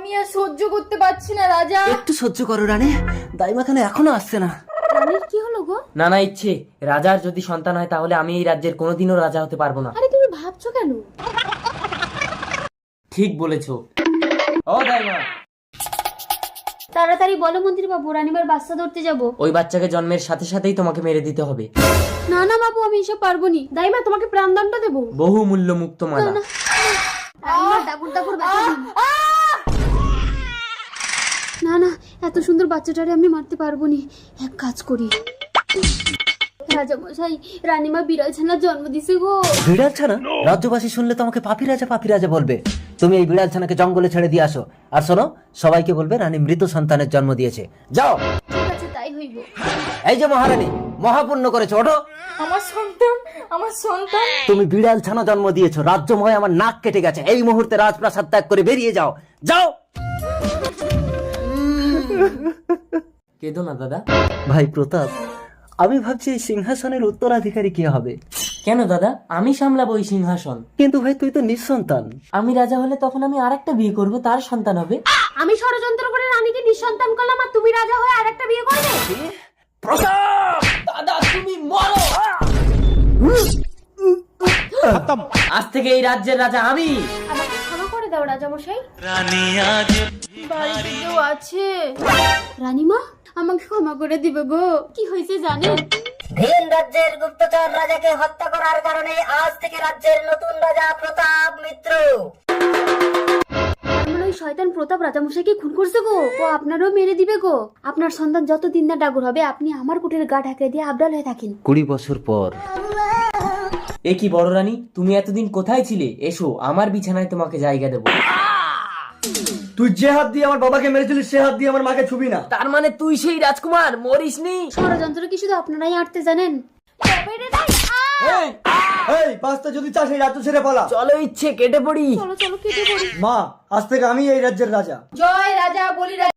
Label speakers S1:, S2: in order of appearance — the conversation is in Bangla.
S1: আমি আর সহ্য করতে পারছি না রাজা।
S2: একটু সহ্য করো রানী, দাইমা কেন এখনো আসছে না?
S1: রানীর কি হলো গো?
S3: নানা ইচ্ছে, রাজার যদি সন্তান হয় তাহলে আমি এই রাজ্যের কোনোদিনও রাজা হতে পারবো না।
S1: আরে তুমি ভাবছো কেন?
S3: ঠিক বলেছো। ও দাইমা,
S1: তাড়াতাড়ি বলো মন্ত্রী বাবু, রানীমার বাচ্চা ধরতে যাব।
S3: ওই বাচ্চাকে জন্মের সাথে সাথেই তোমাকে মেরে দিতে হবে।
S1: না না বাবু, আমি এসব পারবো নি। দাইমা তোমাকে প্রাণদণ্ড দেবো।
S3: বহু মূল্য মুক্ত মালা।
S1: রানীমার দাগুর দাগুর ব্যথা দিন। না না, এত সুন্দর বাচ্চাটারে আমি মারতে পারবো নি। এক কাজ করি, রাজা মশাই, রানীমা বিড়াল ছানার জন্ম দিছে গো।
S2: বিড়াল ছানা? রাজ্যবাসী শুনলে তোমাকে পাপি রাজা বলবে। তুমি এই বিড়াল ছানাকে জঙ্গলে ছেড়ে দিয়ে আসো। আর শোনো, সবাইকে বলবে রানী মৃত সন্তানের জন্ম দিয়েছে। যাও।
S1: ঠিক আছে, তাই হইব।
S2: এই যে মহারানী, মহাপুণ্য করেছো, ওঠো।
S1: আমার সন্তান, আমার সন্তান।
S2: তুমি বিড়াল ছানা জন্ম দিয়েছো, রাজ্যময় আমার নাক কেটে গেছে। এই মুহূর্তে রাজপ্রাসাদ ত্যাগ করে বেরিয়ে যাও, যাও।
S3: কেঁদো না দাদা।
S2: ভাই প্রতাপ, আমি ভাবছি এই সিংহাসনের উত্তরাধিকারী কে হবে।
S3: কেন দাদা, আমি সামলাবো ওই সিংহাসন।
S2: কিন্তু ভাই তুই তো নিঃসন্তান।
S3: আমি রাজা হলে তখন আমি আরেকটা বিয়ে করব, তার সন্তান হবে।
S1: আমি ষড়যন্ত্র করে রানীকে নিঃসন্তান করলাম, আর তুমি রাজা হয়ে আরেকটা বিয়ে করবে?
S2: প্রতাপ,
S3: দাদা তুমি মরো। আজ থেকে এই রাজ্যের রাজা আমি।
S1: আমাকে ক্ষমা করে দাও রাজা মশাই। বাড়িতে কেউ আছে? রানীমা, আমাকে ক্ষমা করে দিবে গো। কি হয়েছে জানেন?
S4: ভিন রাজ্যের গুপ্তচর রাজাকে হত্যা করার কারণে আজ থেকে রাজ্যের নতুন রাজা প্রতাপ মিত্র।
S1: আমার ওই শয়তান প্রতাপ রাজামশাইকে খুন করছে গো। ও আপনারও মেরে দিবে গো। আপনার সন্তান যতদিন না ডাগর হবে, আপনি আমার কুটির গা ঢাকে দিয়ে আবডাল হয়ে থাকেন।
S2: 20 বছর পর।
S3: এ কি বড় রানী, তুমি এতদিন কোথায় ছিলে? এসো, আমার বিছানায় তোমাকে জায়গা দেবো।
S5: তুই যে হাত দিয়ে আমার বাবাকে মেরেছিলিস সে হাত দিয়ে আমার মাকে ছুবি না।
S3: তার মানে তুই সেই রাজকুমার, মরিসনি।
S1: ষড়যন্ত্র কি শুধু আপনারাই আটতে জানেন?
S5: এই বাঁচতে যদি চাস এই রাজ্য ছেড়ে পালা।
S3: চলো ইচ্ছে, কেটে পড়ি।
S1: চলো চলো, কেটে পড়ি।
S5: মা, আজ থেকে আমি এই রাজ্যের রাজা।
S1: জয় রাজা বলি।